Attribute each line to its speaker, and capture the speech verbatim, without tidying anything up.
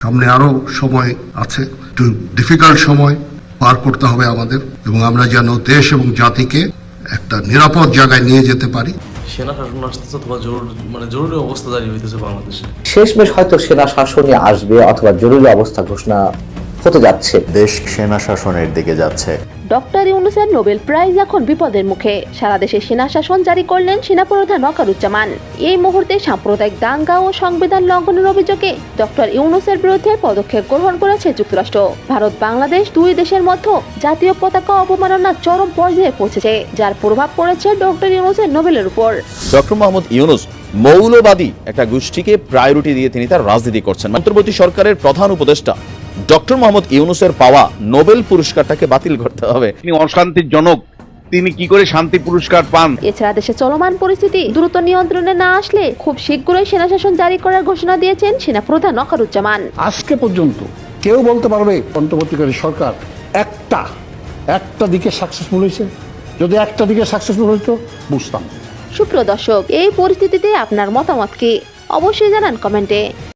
Speaker 1: সামনে আরো সময় আছে, একটু ডিফিকাল্ট সময় পার করতে হবে আমাদের, এবং আমরা যেন দেশ এবং জাতিকে একটা নিরাপদ জায়গায় নিয়ে যেতে পারি।
Speaker 2: সেনা শাসন আসতেছে অথবা জরুরি মানে জরুরি অবস্থা জারি হইতেছে বাংলাদেশে।
Speaker 3: শেষমেশ হয়তো সেনা শাসনই আসবে অথবা জরুরি অবস্থা ঘোষণা হতে যাচ্ছে।
Speaker 4: দেশ সেনা শাসনের দিকে যাচ্ছে।
Speaker 5: ডক্টর ইউনূসের নোবেল প্রাইজ এখন বিপদের মুখে। সারা দেশে সেনা শাসন জারি করলেন সেনাপ্রধান ওয়াকারুজ্জামান। এই মুহূর্তে সাম্প্রদায়িক দাঙ্গা ও সংবিধান লঙ্ঘনের অভিযোগে ডক্টর ইউনূসের বিরুদ্ধে পদক্ষেপ গ্রহণ করেছে যুক্তরাষ্ট্র। ভারত বাংলাদেশ দুই দেশের মধ্যে জাতীয় পতাকা অবমাননা চরম পর্যায়ে পৌঁছেছে, যার প্রভাব পড়েছে ডক্টর ইউনূসের নোবেলের উপর।
Speaker 6: ডক্টর মোহাম্মদ ইউনূস মৌলবাদী একটা গোষ্ঠীকে প্রায়োরিটি দিয়ে তিনি তার রাজনীতি করছেন। অন্তর্বর্তী সরকারের প্রধান উপদেষ্টা ডক্টর মোহাম্মদ ইউনূসের পাওয়া নোবেল পুরস্কারটাকে বাতিল করতে হবে।
Speaker 7: তিনি অশান্তির জনক, তিনি কি করে শান্তি পুরস্কার পান?
Speaker 5: এছাড়া দেশে চলমান পরিস্থিতি দ্রুত নিয়ন্ত্রণে না আসলে খুব শীঘ্রই সেনা শাসন জারি করার ঘোষণা দিয়েছেন সেনাপ্রধান ওয়াকারুজ্জামান।
Speaker 8: আজকে পর্যন্ত কেউ বলতে পারবে অন্তর্বর্তীকালীন সরকার একটা একটা দিকে সাকসেসফুল হয়েছে? যদি একটা দিকে সাকসেসফুল হইতো বুঝতাম।
Speaker 5: সুপ্রিয় দর্শক, এই পরিস্থিতিতে আপনার মতামত কি? অবশ্যই জানান কমেন্টে।